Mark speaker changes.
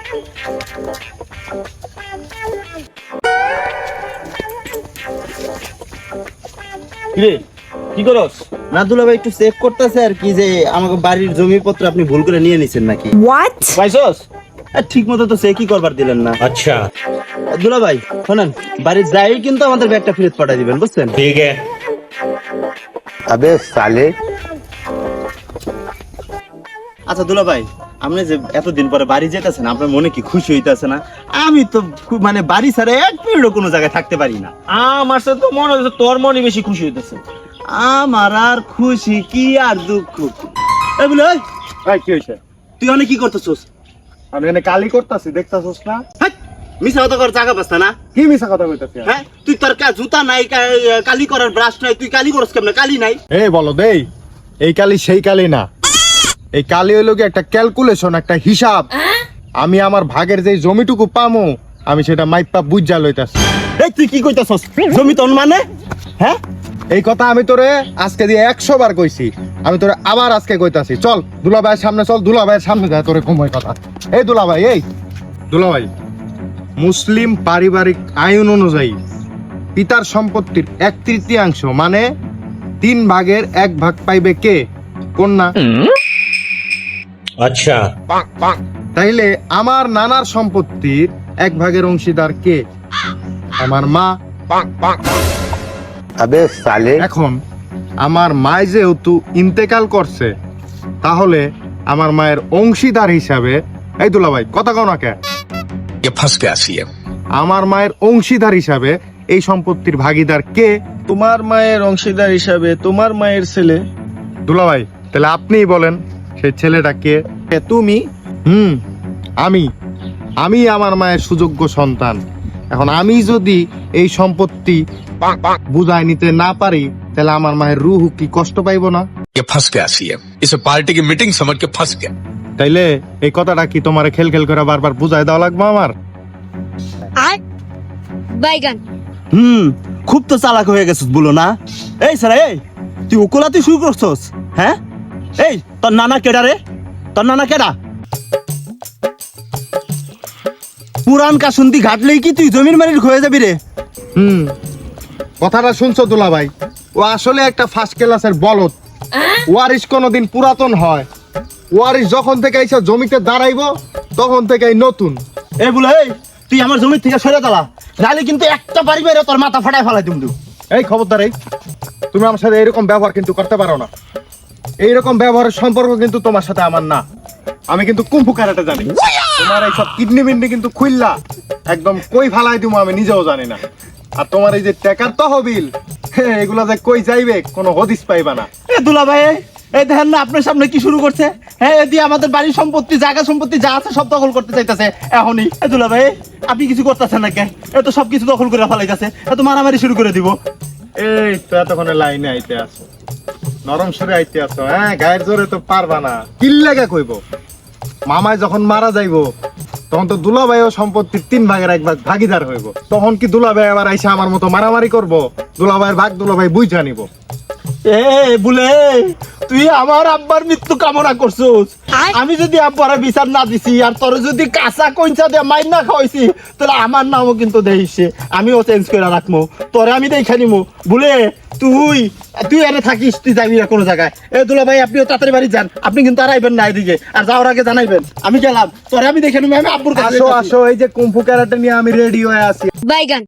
Speaker 1: কিরে কি করস? না দুলাভাই একটু চেক করতেছে আর কি, যে আমাকে বাড়ির জমিপত্র আপনি ভুল করে নিয়ে নিছেন নাকি।
Speaker 2: What?
Speaker 1: পাইছস? ঠিক মতো তো চেকই করবার দিলেন না।
Speaker 3: अच्छा
Speaker 1: দুলাভাই শোনেন, বাড়ির যাই কিন্তু আমাদের ব্যাগটা ফেরত পাঠিয়ে দিবেন, বুঝছেন?
Speaker 3: ठीक है।
Speaker 4: अबे साले।
Speaker 1: আচ্ছা দুলাভাই, আপনি যে এতদিন পরে বাড়ি যেতেছেন, আপনার মনে কি খুশি হইতাছে না? আমি তো মানে বাড়ি ছাড়া এক মিনিটও কোনো জায়গায় থাকতে পারি না।
Speaker 5: আমার সাথে তো মনে হচ্ছে তোর মনে বেশি খুশি হইতেছে।
Speaker 1: আমার আর খুশি কি আর দুঃখ। এই বলে ওই,
Speaker 6: ভাই কি হয়েছে?
Speaker 1: তুই অনেক কি করতেছস?
Speaker 6: আমি এখানে কালি করতেছি, দেখতেছস না?
Speaker 1: হ্যাঁ, মিছা কথা কর জায়গা পাস্তা না।
Speaker 6: কি মিছা কথা কইতাছি?
Speaker 1: হ্যাঁ, তুই তোর জুতা নাই, কালি করার ব্রাশ নাই, তুই কালি করস কেমনে? কালি নাই।
Speaker 6: এই বলো দেই, এই কালি সেই কালি না। এই কালি হইলো কি একটা ক্যালকুলেশন, একটা হিসাব। আমি আমার ভাগের যে জমিটুকু পামো, আমি সেটা মাইপা বুঝা লইতাছি।
Speaker 1: এই তুই কি কইতাছস? জমি তোর মানে? হ্যাঁ,
Speaker 6: এই কথা আমি তোরে আজকে দিয়ে 100 বার কইছি, আমি তোরে আবার আজকে কইতাছি। চল দুলাভাইয়ের সামনে চল, দুলাভাইয়ের সামনে যায় তোরে কময় কথা। এই দুলাভাই, এই দুলাভাই, মুসলিম পারিবারিক আইন অনুযায়ী পিতার সম্পত্তির 1/3 মানে 3 ভাগের 1 ভাগ পাইবে কে? কন্যা।
Speaker 3: अच्छा
Speaker 6: তাইলে আমার নানার সম্পত্তির 1 ভাগের অংশীদার কে? আমার মা।
Speaker 4: अबे साले।
Speaker 6: এখন আমার মা যেহেতু ইন্তেকাল করছে, তাহলে আমার মায়ের অংশীদার হিসাবে, এই দুলাভাই কথা কও না কে?
Speaker 7: ये फंस गया सीएम।
Speaker 6: আমার মায়ের অংশীদার হিসাবে এই সম্পত্তির ভাগীদার কে?
Speaker 5: তোমার মায়ের অংশীদার হিসাবে তোমার মায়ের ছেলে।
Speaker 6: দুলাভাই তাহলে আপনিই বলেন সেই ছেলেটা কে?
Speaker 5: তুমি।
Speaker 6: আমি আমার মায়ের সুযোগ্য সন্তান। এখন আমি যদি এই সম্পত্তি বুঝাই নিতে না পারি, তাহলে আমার মায়ের রুহ কি কষ্ট পাইবো না?
Speaker 7: ये फंस गया सीएम। इसे पार्टी की मीटिंग समझ के फंस गया।
Speaker 6: তাইলে এই কথাটা কি তোমার খেল খেল করে বারবার বুঝাই দেওয়া লাগবে আমার?
Speaker 2: Baigan.
Speaker 1: খুব তো চালাক হয়ে গেছিস বলো না। এই স্যার, এই তুই ওকলাতে শুরু করছস? হ্যাঁ, এই তোর নানা কেডা রে? তোর নানা কেডা? পুরান কাসুন্দি ঘাটলেই কি তুই জমির মালিক হয়ে যাবি রে?
Speaker 6: কথাটা শুনছো দুলাভাই? ও আসলে একটা ফার্স্ট ক্লাসের বলদ। ওয়ারিশ কোনোদিন পুরাতন হয়? ওয়ারিশ যখন থেকে এইসব জমিতে দাঁড়াইবো, তখন থেকেই নতুন।
Speaker 1: এই বলে, এই তুই আমার জমির থেকে সরে দাঁড়া, নাহলে কিন্তু একটা বাড়ি বাইরে তোর মাথা ফাটায় ফেলাই তুমি।
Speaker 6: এই খবরদার, এই তুমি আমার সাথে এরকম ব্যবহার কিন্তু করতে পারো না। এইরকম ব্যবহারের সম্পর্ক কিন্তু তোমার সাথে আমার না। আমি কিন্তু কুম্ফু কারাতে জানি। তোমার এইসব কিডনি মিডনি কিন্তু খুললা একদম কই ফালাই দিব আমি নিজেও জানি না। আর তোমার এই যে টাকার তহবিল, এগুলা যে কই যাইবে কোনো হদিস পাইবা না।
Speaker 1: এ দুলা ভাই, এই দেখেন না আপনার সামনে কি শুরু করছে। হ্যাঁ, এদি আমাদের বাড়ির সম্পত্তি, জায়গা সম্পত্তি যা আছে সব দখল করতে চাইতেছে এখনই। এ দুলা ভাই, আপনি কিছু করতেছেন না কে? এ তো সবকিছু দখল করে ফেলাইতেছে, এ তো মারামারি শুরু করে দিব।
Speaker 6: এই তো এতক্ষণে লাইনে আইতে আসো, নরম সরে আইতে আসো। হ্যাঁ, গায়ের জোরে তো পারবা না। কিল্লাগা কইব মামায় যখন মারা যাইবো, তখন তো দুলাভাইও সম্পত্তির 3 ভাগের 1 ভাগ ভাগিদার হইব। তখন কি দুলাভাই আবার আইসা আমার মতো মারামারি করব? দুলাভাইয়ের ভাগ দুলাভাই বুঝা নিব।
Speaker 1: এ বলে, তুই আমার আব্বার মৃত্যু কামনা করছিস। আমি যদি আব্বারে বিচার না দিছি, আর তোর যদি কাঁচা কইঞ্চা দিয়ে মাইর না খাওয়াইছি, তাহলে আমার নামও কিন্তু দেইছে, আমিও চেঞ্জ করে রাখবো। তোরে আমি দেখে নিবো। বলে তুই এনে থাকিস, তুই যাবি না কোনো জায়গায়। এ দুলা ভাই, আপনিও তাড়াতাড়ি বাড়ি যান, আপনি কিন্তু আর আইবেন না এদিকে। আর যাওয়ার আগে জানাইবেন আমি গেলাম, তোরে আমি দেখে নিবো। আমি আব্বুর কাছে
Speaker 6: আসো আসো, এই যে কুম্ফু ক্যারাটে নিয়ে আমি রেডি হয়ে আছি।
Speaker 2: Baigan.